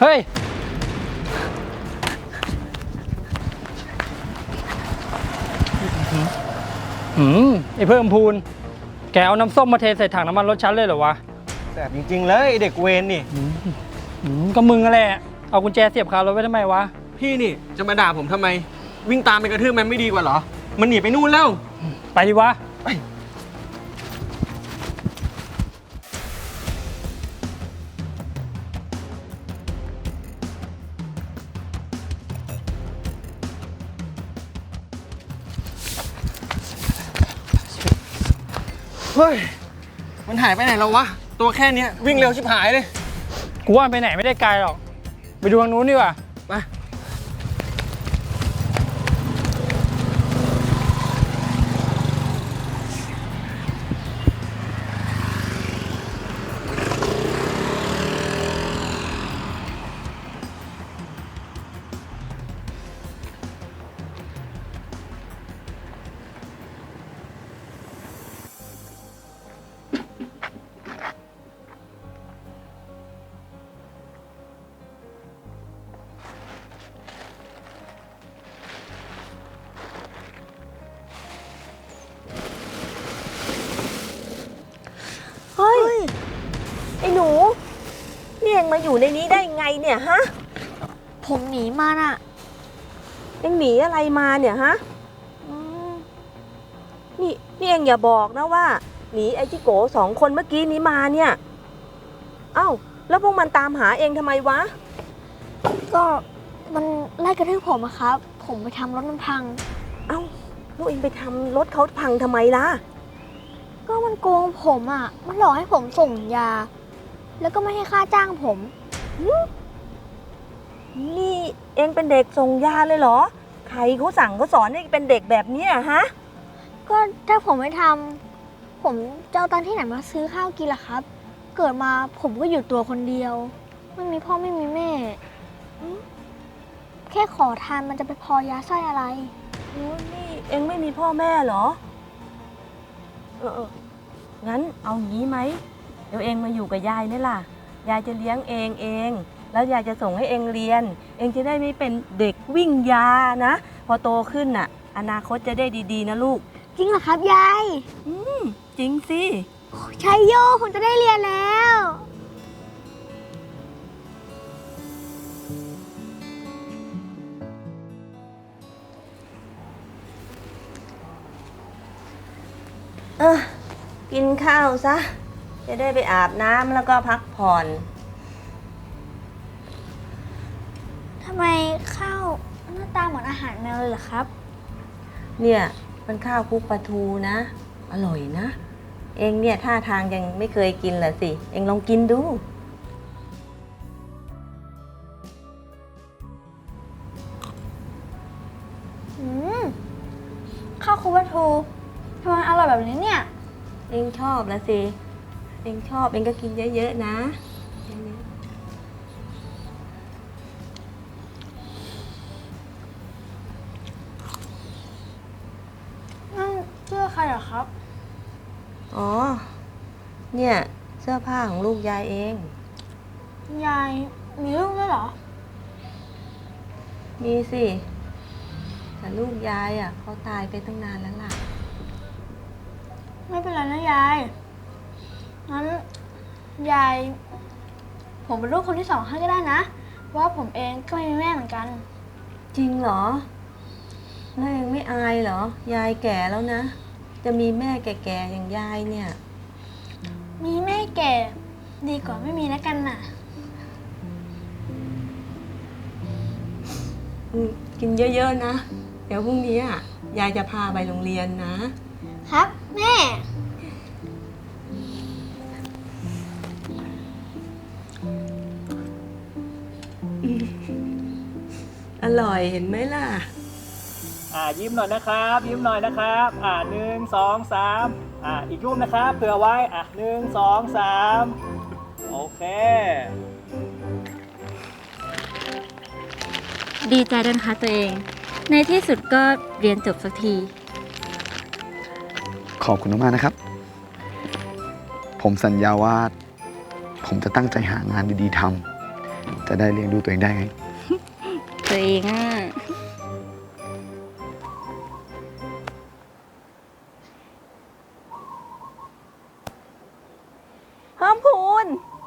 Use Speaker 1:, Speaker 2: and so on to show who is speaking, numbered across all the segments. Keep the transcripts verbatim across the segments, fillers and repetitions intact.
Speaker 1: เฮ้ยหืมไอ้เพิ่มพูนแกเอาน้ำส้มมาเทใส่ถังน้ำมันรถฉันเลยเหรอวะ
Speaker 2: แสบจริงๆเลยเด็กเวรนี่
Speaker 1: หืมก็มึงแหละเอากุญแจเสียบคารถไว้ทำไมวะ
Speaker 2: พี่นี่จะมาด่าผมทำไมวิ่งตามไปกระทืบมันไม่ดีกว่าเหรอมันหนีไปนู่นแล้ว
Speaker 1: ไปดิวะ
Speaker 2: ไปเฮ้ยมันหายไปไหนแล้ววะตัวแค่นี้วิ่งเร็วชิบหายเลย
Speaker 1: กูว่าไปไหนไม่ได้ไกลหรอกไปดูทางนู้นดีกว่า
Speaker 2: ไป
Speaker 3: เฮ้ยไอ้หนูนี่เองมาอยู่ในนี้ได้ไงเนี่ยฮะ
Speaker 4: ผมหนีมาน่ะ
Speaker 3: เองหนีอะไรมาเนี่ยฮะนี่นี่เองอย่าบอกนะว่าหนีไอ้จิโกสองคนเมื่อกี้นี้มาเนี่ยเอ้าแล้วพวกมันตามหาเองทำไมวะ
Speaker 4: ก็มันไล่กระทืบผมอะครับผมไปทำรถมันพัง
Speaker 3: เอ้าแล้วเองไปทำรถเขาพังทำไมล่ะ
Speaker 4: ก็มันโกงผมอ่ะมันหลอกให้ผมส่งยาแล้วก็ไม่ให้ค่าจ้างผม
Speaker 3: นี่เองเป็นเด็กส่งยาเลยเหรอใครเขาสั่งเขาสอนให้เป็นเด็กแบบนี้อะฮะ
Speaker 4: ก็ถ้าผมไม่ทำผมจะเอาตังค์ที่ไหนมาซื้อข้าวกินล่ะครับเกิดมาผมก็อยู่ตัวคนเดียวไม่มีพ่อไม่มีแม่แค่ขอทานมันจะไปพอยาไส้อะไร
Speaker 3: นี่เองไม่มีพ่อแม่เหรอเอองั้นเอางี้ไหมเดี๋ยวเองมาอยู่กับยายนี่ล่ะยายจะเลี้ยงเองเองแล้วยายจะส่งให้เองเรียนเองจะได้ไม่เป็นเด็กวิ่งยานะพอโตขึ้นน่ะอนาคตจะได้ดีๆนะลูก
Speaker 4: จริงเหรอครับยาย
Speaker 3: อืมจริงสิ
Speaker 4: ชัยโยผมจะได้เรียนแล้ว
Speaker 3: เออกินข้าวซะจะได้ไปอาบน้ำแล้วก็พักผ่อน
Speaker 4: ทำไมข้าวหน้าตาเหมือนอาหารแมวเลยเหรอครับ
Speaker 3: เนี่ยมันข้าวคลุกปลาทูนะอร่อยนะเองเนี่ยท่าทางยังไม่เคยกินเหรอสิเองลองกินดู
Speaker 4: อืมข้าวคลุกปลาทูทำไมอร่อยแบบนี้เนี่ย
Speaker 3: เองชอบแล้วสิเองชอบเองก็กินเยอะๆนะ
Speaker 4: นั่นเสื้อใครเหรอครับ
Speaker 3: อ๋อเนี่ยเสื้อผ้าของลูกยายเอง
Speaker 4: ยายมีลูกด้วยเหรอ
Speaker 3: มีสิแต่ลูกยายอ่ะเขาตายไปตั้งนานแล้วล่ะ
Speaker 4: ไม่เป็นไรนะยายงั้นยายผมเป็นลูกคนที่สองให้ก็ได้นะว่าผมเองก็ไม่มีแม่เหมือนกัน
Speaker 3: จริงเหรอแล้วเองไม่อายเหรอยายแก่แล้วนะจะมีแม่แก่ๆอย่างยายเนี่ย
Speaker 4: มีแม่แก่ดีกว่าไม่มีแล้วกันน่ะ
Speaker 3: กินเยอะๆนะเดี๋ยวพรุ่งนี้อ่ะยายจะพาไปโรงเรียนนะครับ
Speaker 4: แม่
Speaker 3: อร่อยเห็นไหมล่ะ
Speaker 1: อ่ายิ้มหน่อยนะครับยิ้มหน่อยนะครับอ่าหนึ่งสองสามอ่าอีกรูปนะครับเผื่อไว้อ่ะหนึ่งสองสามโอเค
Speaker 5: ดีใจด้วยนะคะตัวเองในที่สุดก็เรียนจบสักที
Speaker 6: ขอบคุณมากๆนะครับ ผมสัญญาว่าผมจะตั้งใจหางานดีๆทจะได้เลี้ยงดูตัวเองได้ไง
Speaker 5: ตัวเองอ่ะ
Speaker 3: เพิ่มพูน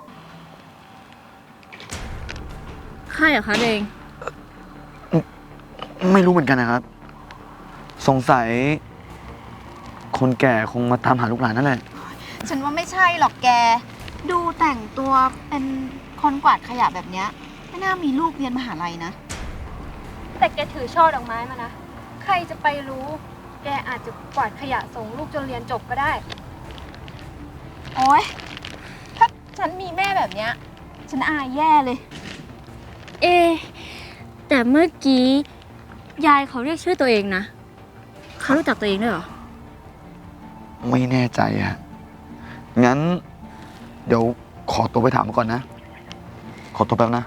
Speaker 5: ใครเหรอคะตัวเอง
Speaker 6: ไม่รู้เหมือนกันนะครับ สงสัย คนแก่คงมาตามหาลูกหลานนั่นแหละ
Speaker 7: ฉันว่าไม่ใช่หรอกแก ดูแต่งตัวเป็นคนกวาดขยะแบบเนี้ยไม่น่ามีลูกเรียนมหาลัยนะ
Speaker 8: แต่แกถือช่อดอกไม้มานะ ใครจะไปรู้ แกอาจจะกวาดขยะส่งลูกจนเรียนจบก็ได้
Speaker 7: โอ๊ย ถ้าฉันมีแม่แบบเนี้ย ฉันอายแย่เลย
Speaker 5: เอะแต่เมื่อกี้ ยายเขาเรียกชื่อตัวเองนะ เขารู้จักตัวเองด้วยเหรอ
Speaker 6: ไม่แน่ใจอะงั้น เดี๋ยวขอตัวไปถามก่อนนะ ขอตัวแป๊บนะ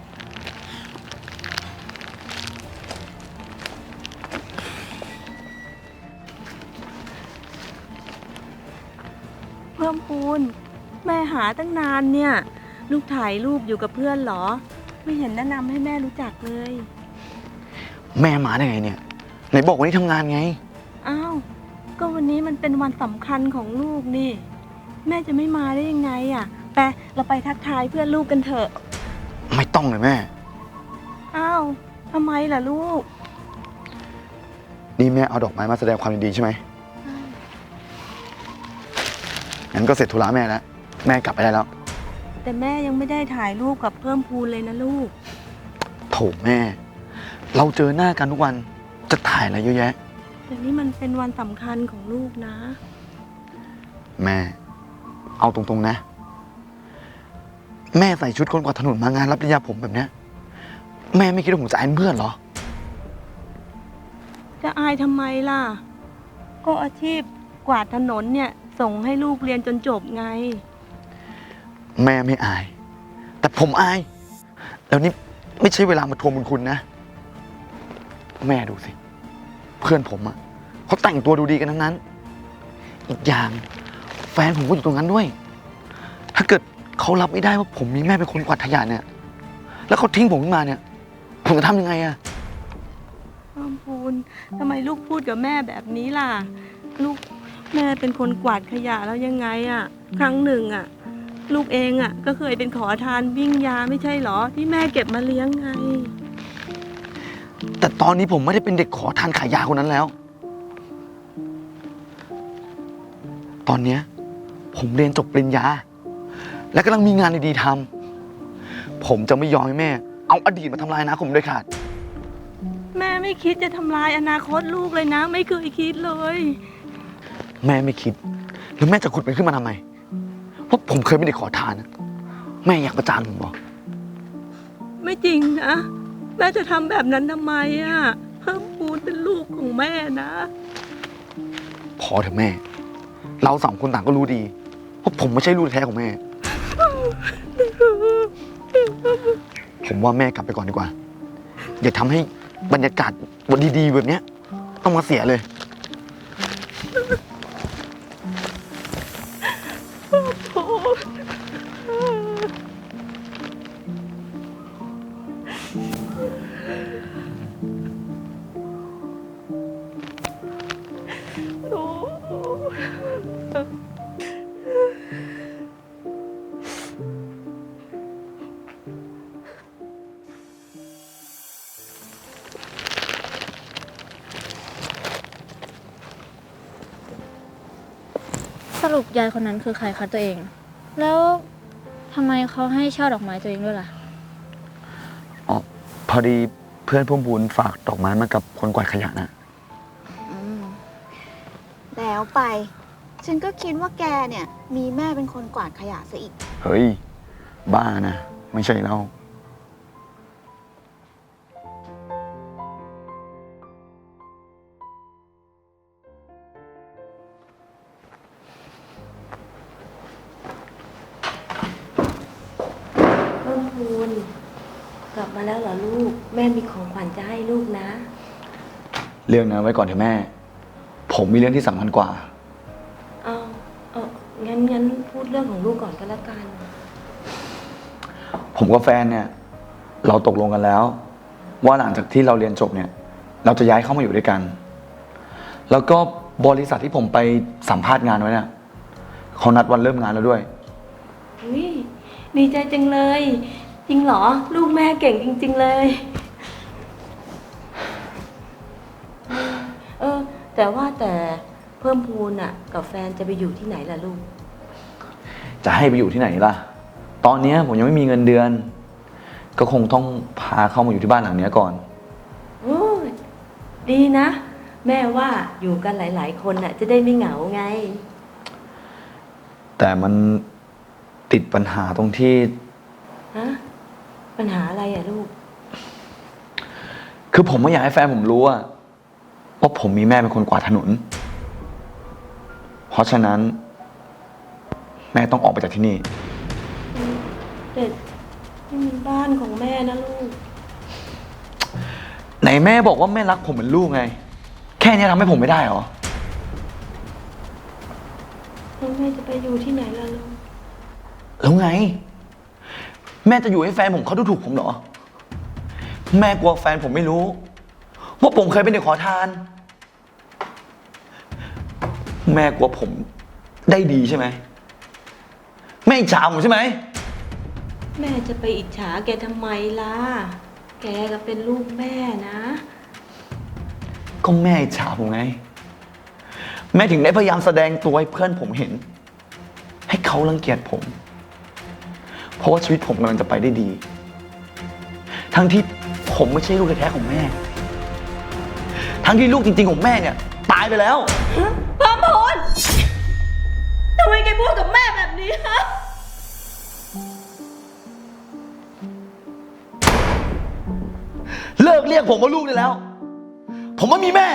Speaker 3: เพิ่มพูน แม่หาตั้งนานเนี่ย ลูกถ่ายรูปอยู่กับเพื่อนเหรอ ไม่เห็นแนะนำให้แม่รู้จักเลย
Speaker 6: แม่มาได้ไงเนี่ย ไหนบอกวันนี้ทำงานไง
Speaker 3: อ้าว ก็วันนี้มันเป็นวันสำคัญของลูกนี่ แม่จะไม่มาได้ยังไงอ่ะไปเราไปทักทายเพื่อนลูกกันเถอะ
Speaker 6: ไม่ต้องเลยแม่
Speaker 3: อ้าวทำไมล่ะลูก
Speaker 6: นี่แม่เอาดอกไม้มาแสดงความยินดีใช่ไหมงั้นก็เสร็จธุระแม่แล้ว แม่กลับไปได้แล้ว
Speaker 3: แต่แม่ยังไม่ได้ถ่ายรูปกับเพิ่มพูนเลยนะลูก
Speaker 6: โถแม่ เราเจอหน้ากันทุกวัน จะถ่ายอะไรเยอะแยะ
Speaker 3: แต่นี่มันเป็นวันสำคัญของลูกนะ
Speaker 6: แม่ เอาตรงๆนะ แม่ใส่ชุดคนกวาดถนนมางานรับปริญญาผมแบบเนี้ย แม่ไม่คิดว่าผมจะอายเพื่อนเหรอ
Speaker 3: จะอายทำไมล่ะ ก็อาชีพกวาดถนนเนี่ยส่งให้ลูกเรียนจนจบไง
Speaker 6: แม่ไม่อาย แต่ผมอาย แล้วนี่ไม่ใช่เวลามาทวงบุญคุณนะ แม่ดูสิ เพื่อนผมอะเขาแต่งตัวดูดีกันทั้งนั้น อีกอย่างแฟนผมก็อยู่ตรงนั้นด้วย ถ้าเกิดเขารับไม่ได้ว่าผมมีแม่เป็นคนกวาดขยะเนี่ย แล้วเขาทิ้งผมขึ้นมาเนี่ย ผมจะทำยังไงอะ
Speaker 3: เพิ่มพูนทำไมลูกพูดกับแม่แบบนี้ล่ะ ลูกแม่เป็นคนกวาดขยะแล้วยังไงอะครั้งหนึ่งอะลูกเองอะก็เคยเป็นขอทานวิ่งยาไม่ใช่เหรอ ที่แม่เก็บมาเลี้ยงไง
Speaker 6: แต่ตอนนี้ผมไม่ได้เป็นเด็กขอทานขายยาคนนั้นแล้ว ตอนเนี้ยผมเรียนจบปริญญา และกำลังมีงานดีๆทำผมจะไม่ยอมให้แม่ เอาอดีตมาทำลายอนาคตผมด้วยขาด
Speaker 3: แม่ไม่คิดจะทำลายอนาคตลูกเลยนะ ไม่เคยคิดเลย
Speaker 6: แม่ไม่คิด แล้วแม่จะขุดมันขึ้นมาทำไม เพราะผมเคยเป็นเด็กขอทานนะแม่อยากประจานผมบอก
Speaker 3: ไม่จริงนะแม่จะทำแบบนั้นทำไมอะเพิ่มพูนเป็นลูกของแม่นะ
Speaker 6: พอเถอะแม่ เราสองคนต่างก็รู้ดีว่าผมไม่ใช่ลูกแท้ของแม่ ผมว่าแม่กลับไปก่อนดีกว่า อย่าทำให้บรรยากาศวันดีๆแบบเนี้ยต้องมาเสียเลย
Speaker 5: สรุปยายคนนั้นคือใครคะตัวเอง แล้วทำไมเขาให้ช่อดอกไม้ตัวเองด้วยล่ะ
Speaker 6: อ๋อ พอดีเพื่อนพุ่มบุญฝากดอกไม้มากับคนกวาดขยะนะ
Speaker 7: แล้วไป ฉันก็คิดว่าแกเนี่ย มีแม่เป็นคนกวาดขยะซะอีก
Speaker 6: เฮ้ย บ้านะ ไม่ใช่เรา
Speaker 3: เพิ่มพูนกลับมาแล้วเหรอลูก แม่มีของขวัญจะให้ลูกนะ
Speaker 6: เรื่องนั้นไว้ก่อนเถอะแม่ ผมมีเรื่องที่สำคัญกว่า
Speaker 3: เอาเอางั้นงั้นพูดเรื่องของลูกก่อนก็แล้วกัน
Speaker 6: ผมกับแฟนเนี่ยเราตกลงกันแล้ว ว่าหลังจากที่เราเรียนจบเนี่ย เราจะย้ายเข้ามาอยู่ด้วยกัน แล้วก็บริษัทที่ผมไปสัมภาษณ์งานไว้เนี่ยเขานัดวันเริ่มงานแล้วด้วย
Speaker 3: อุ๊ยดีใจจังเลย จริงเหรอ ลูกแม่เก่งจริง ๆ เลย เออ แต่ว่าแต่เพิ่มพูนอ่ะ กับแฟนจะไปอยู่ที่ไหนล่ะลูก
Speaker 6: จะให้ไปอยู่ที่ไหนล่ะ ตอนเนี้ยผมยังไม่มีเงินเดือน ก็คงต้องพาเข้ามาอยู่ที่บ้านหลังเนี้ยก่อน
Speaker 3: โอ้ยดีนะ แม่ว่าอยู่กันหลาย ๆ คนน่ะ จะได้ไม่เหงาไง
Speaker 6: แต่มันติดปัญหาตรงที่
Speaker 3: ฮะ ปัญหาอะไรอ่ะลูก
Speaker 6: คือผมไม่อยากให้แฟนผมรู้ว่าว่าผมมีแม่เป็นคนกวาดถนน เพราะฉะนั้น แม่ต้องออกไปจากที่นี่
Speaker 3: แต่นี่มันบ้านของแม่นะลูก
Speaker 6: ไหนแม่บอกว่าแม่รักผมเหมือนลูกไง แค่นี้ทำให้ผมไม่ได้เหรอ
Speaker 3: แล้วแม่จะไปอยู่ที่ไหนล่ะลูก
Speaker 6: แล้วไง แม่จะอยู่ให้แฟนผมเขาดูถูกผมเหรอ แม่กลัวแฟนผมไม่รู้ว่าผมเคยเป็นเด็กขอทาน แม่กลัวผมได้ดีใช่ไหมแม่อิจฉาผมใช่ไหม
Speaker 3: แม่จะไปอิจฉาแกทำไมล่ะ แกก็เป็นลูกแม่นะ
Speaker 6: ก็แม่อิจฉาผมไง แม่ถึงได้พยายามแสดงตัวให้เพื่อนผมเห็น ให้เขารังเกียจผม เพราะว่าชีวิตผมกำลังจะไปได้ดี ทั้งที่ผมไม่ใช่ลูกแท้ๆของแม่ ทั้งที่ลูกจริงๆของแม่เนี่ยตายไปแล้ว
Speaker 3: พร้อมพลทำไมแกพูดกับแม่แบบนี้ฮะ
Speaker 6: เลิกเรียกผมว่าลูกได้แล้ว ผมไม่มีแม่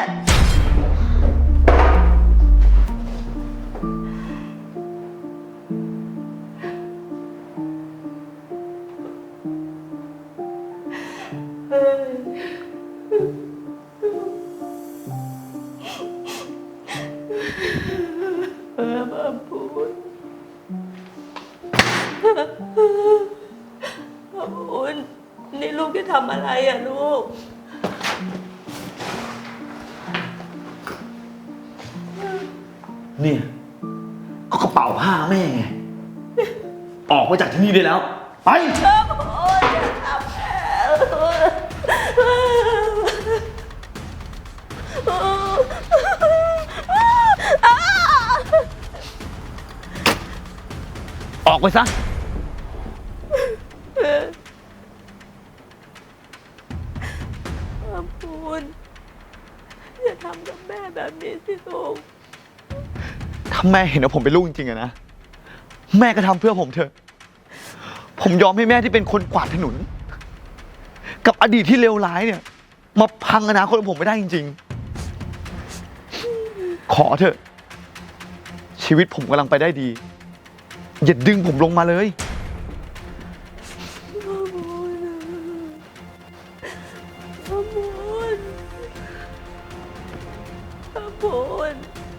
Speaker 3: เออมาพูดมาพูดนี่ลูกจะทำอะไรอ่ะลูก
Speaker 6: เนี่ยก็กระเป๋าผ้าแม่ไง ออกมาจากที่นี่ได้แล้ว ไป ออกไปซะ
Speaker 3: มาพูดอย่าทำกับแม่แบบนี้สิลูก
Speaker 6: ถ้าแม่เห็นว่าผมเป็นลูกจริงๆอะนะ แม่ก็ทำเพื่อผมเถอะ ผมยอมให้แม่ที่เป็นคนกวาดถนน กับอดีตที่เลวร้ายเนี่ย มาพังอนาคตของผมไม่ได้จริงๆ ขอเถอะ ชีวิตผมกำลังไปได้ดี อย่าดึงผมลงมาเลย
Speaker 3: มาพูดมาพูด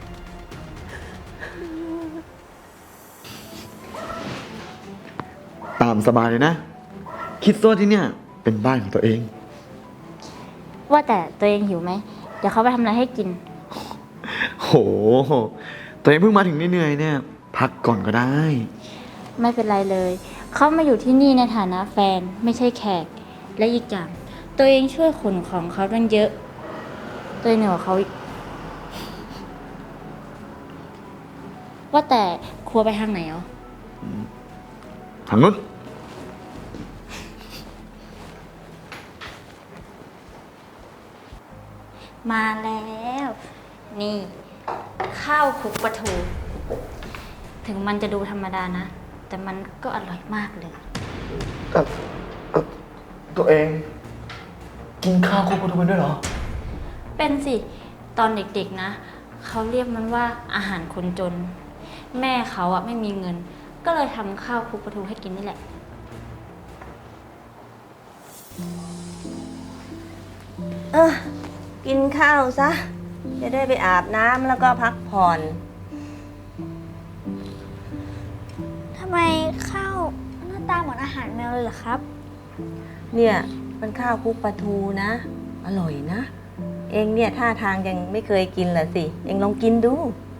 Speaker 6: ตามสบายเลยนะ คิดซะที่เนี่ยเป็นบ้านของตัวเอง
Speaker 5: ว่าแต่ตัวเองหิวไหม เดี๋ยวเขาไปทำอะไรให้กิน
Speaker 6: โห ตัวเองเพิ่งมาถึงเหนื่อยๆเนี่ย พักก่อนก็ได้
Speaker 5: ไม่เป็นไรเลย เขามาอยู่ที่นี่ในฐานะแฟนไม่ใช่แขก และอีกอย่างตัวเองช่วยขนของเขาตั้งเยอะ ตัวเองเหนือกว่าเขาอีกว่าแต่ครัวไปทางไหนอ๋อ
Speaker 6: ทางนู้น
Speaker 5: มาแล้ว นี่ ข้าวคลุกปลาทู ถึงมันจะดูธรรมดานะ แต่มันก็อร่อยมากเลย
Speaker 6: เอ่อเอ่อตัวเอง กินข้าวครบทุกวันด้วยเหรอ
Speaker 5: เป็นสิ ตอนเด็กๆนะ เขาเรียกมันว่าอาหารคนจน แม่เขาอะไม่มีเงิน ก็เลยทำข้าวคลุกปลาทูให้กินนี่แหละ
Speaker 3: เออกินข้าวซะ จะได้ไปอาบน้ำแล้วก็พักผ่อน
Speaker 4: ทำไมข้าวหน้าตาเหมือนอาหารแมวเลยเหรอครับ
Speaker 3: เนี่ยมันข้าวคลุกปลาทูนะ อร่อยนะ เองเนี่ยท่าทางยังไม่เคยกินเหรอสิ เองลองกินดู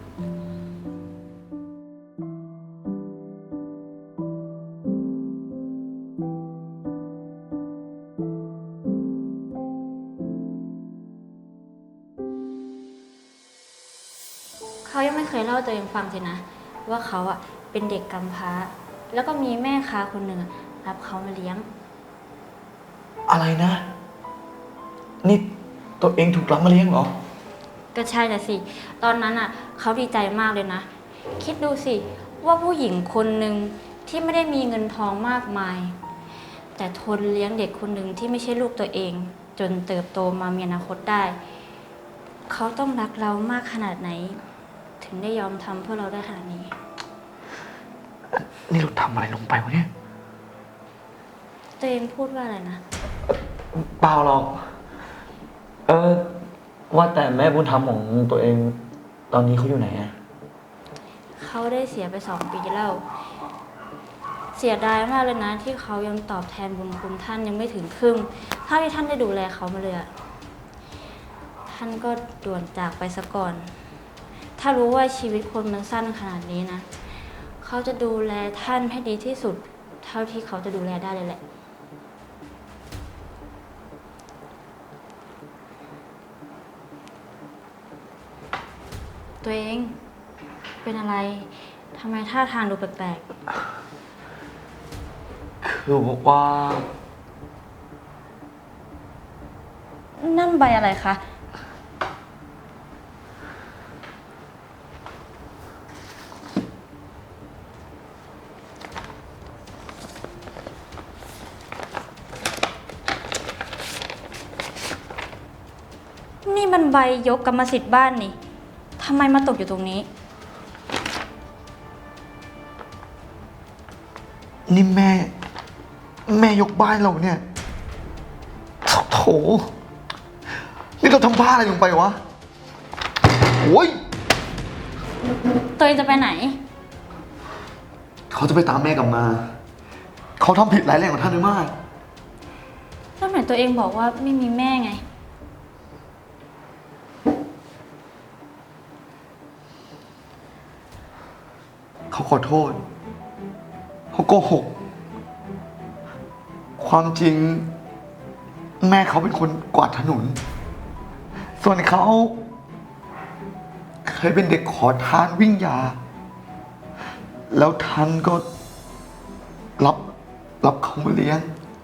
Speaker 5: เขายังไม่เคยเล่าตัวเองฟังสินะ ว่าเขาอะเป็นเด็กกำพร้า แล้วก็มีแม่ค้าคนหนึ่งอะรับเขามาเลี้ยง
Speaker 6: อะไรนะ นี่ตัวเองถูกรับมาเลี้ยงเหรอ
Speaker 5: ก็ใช่น่ะสิ ตอนนั้นอ่ะเขาดีใจมากเลยนะ คิดดูสิว่าผู้หญิงคนหนึ่งที่ไม่ได้มีเงินทองมากมาย แต่ทนเลี้ยงเด็กคนหนึ่งที่ไม่ใช่ลูกตัวเอง จนเติบโตมามีอนาคตได้ เขาต้องรักเรามากขนาดไหน ถึงได้ยอมทำเพื่อเราได้ขนาดนี้
Speaker 6: นี่เราทำอะไรลงไปวะเนี่ย
Speaker 5: ตัวเองพูดว่าอะไรนะ
Speaker 6: เปล่าหรอก เออ ว่าแต่แม่บุญธรรมของตัวเอง ตอนนี้เขาอยู่ไหนอะ
Speaker 5: เขาได้เสียไปสองปีแล้ว เสียดายมากเลยนะ ที่เขายังตอบแทนบุญคุณท่านยังไม่ถึงครึ่งเท่าที่ท่านได้ดูแลเขามาเลยอะท่านก็ด่วนจากไปซะก่อน ถ้ารู้ว่าชีวิตคนมันสั้นขนาดนี้นะ เขาจะดูแลท่านให้ดีที่สุด เท่าที่เขาจะดูแลได้เลยแหละ ตัวเองเป็นอะไร ทำไมท่าทางดูแปลก
Speaker 6: คือว่า
Speaker 5: ๆ นั่นใบอะไรคะ นี่มันใบยกกรรมสิทธิ์บ้านนี่ ทำไมมาตกอยู่ตรงนี้
Speaker 6: นี่แม่ แม่ยกบ้านเราเนี่ย โถ นี่เราทำบ้าอะไรลงไปวะ โอ้ย
Speaker 5: ตัวเองจะไปไหน
Speaker 6: เขาจะไปตามแม่กลับมา เขาทำผิดร้ายแรงกว่าท่านด้วยมาก
Speaker 5: แล้วไหนตัวเองบอกว่าไม่มีแม่ไง
Speaker 6: เขาขอโทษ เขาโกหก ความจริง แม่เขาเป็นคนกวาดถนน ส่วนเขา เคยเป็นเด็กขอทานวิ่งยา แล้วท่านก็ รับ รับเขามาเลี้ยง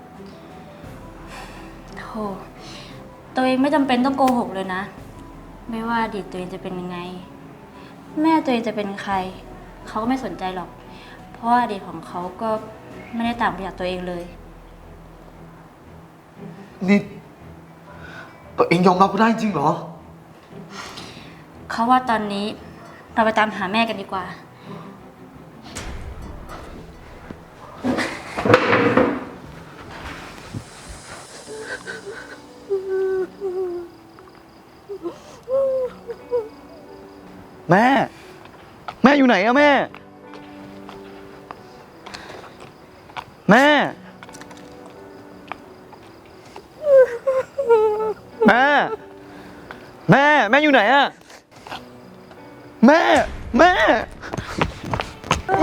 Speaker 5: โธ่ตัวเองไม่จำเป็นต้องโกหกเลยนะ ไม่ว่าอดีตตัวเองจะเป็นยังไง แม่ตัวเองจะเป็นใคร เขาก็ไม่สนใจหรอก เพราะว่าอดีตของเขาก็ไม่ได้ต่างไปจากตัวเองเลย
Speaker 6: นี่ตัวเองยอมรับก็ได้จริงเหรอ
Speaker 5: เขาว่าตอนนี้เราไปตามหาแม่กันดีกว่า
Speaker 6: แม่ แม่อยู่ไหนอะแม่ แม่ แม่ แม่ แม่อยู่ไหนอะแม่ แม่ แม่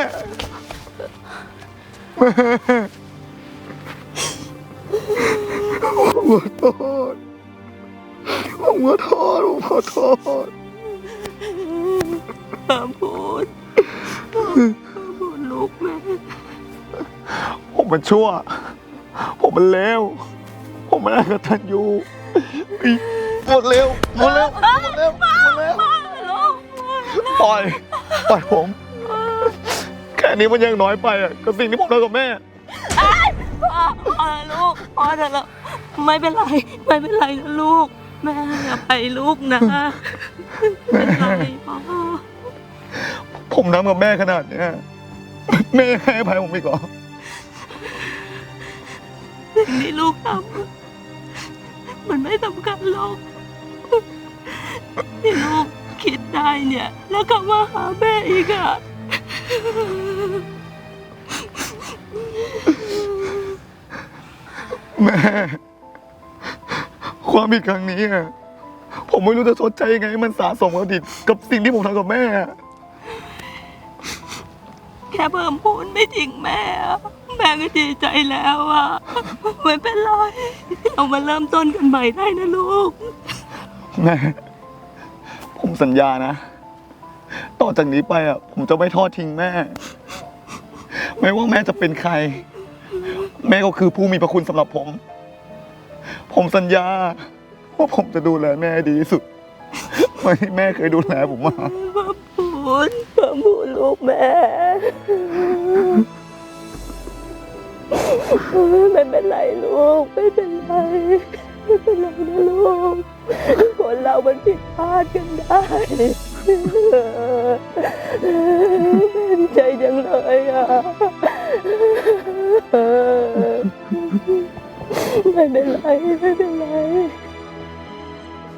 Speaker 6: แม่ผมขอโทษผมขอโทษผมขอโทษ
Speaker 3: ห้ามพูดห้ามพูดลูกแม่
Speaker 6: ผมมันชั่ว ผมมันเลว ผมมันอกตัญญูหมดเร็วหมดเร็วหมดเร็วหมดเร็วปล่อย ปล่อยผม แค่นี้มันยังน้อยไปอ่ะกับสิ่งที่ผมทำกับแม่
Speaker 3: พ่อพ่อลูกพ่อเถอะแล้วไม่เป็นไร ไม่เป็นไรนะลูก แม่อย่าไปลูกนะไม่เป็นไรพ่อ
Speaker 6: ผมทำกับแม่ขนาดเนี้ยแม่ให้อภัยผมอีกเหรอ
Speaker 3: สิ่งที่ลูกทำมันไม่สำคัญหรอกที่ลูกคิดได้เนี่ย แล้วก็มาหาแม่อีกอะ
Speaker 6: แม่ ความผิดครั้งนี้อะผมไม่รู้จะชดใช้ยังไงให้มันสะสมกับดิกับสิ่งที่ผมทำกับแม่อะ
Speaker 3: แค่เพิ่มพูนไม่ทิ้งแม่อะแม่ก็ดีใจแล้วอะไม่เป็นไร เรามาเริ่มต้นกันใหม่ได้นะลูก
Speaker 6: แม่ ผมสัญญานะ ต่อจากนี้ไปอ่ะ ผมจะไม่ทอดทิ้งแม่ ไม่ว่าแม่จะเป็นใคร แม่ก็คือผู้มีพระคุณสำหรับผม ผมสัญญาว่าผมจะดูแลแม่ให้ดีที่สุดเหมือนที่แม่เคยดูแลผมมา
Speaker 3: พูนเพิ่มพูนลูกแม่ ไม่เป็นไรลูก ไม่เป็นไร ไม่เป็นไรนะลูก คนเรามันผิดพลาดกันได้เป็นใจจังเลยอ่ะ ไม่เป็นไร ไม่เป็นไร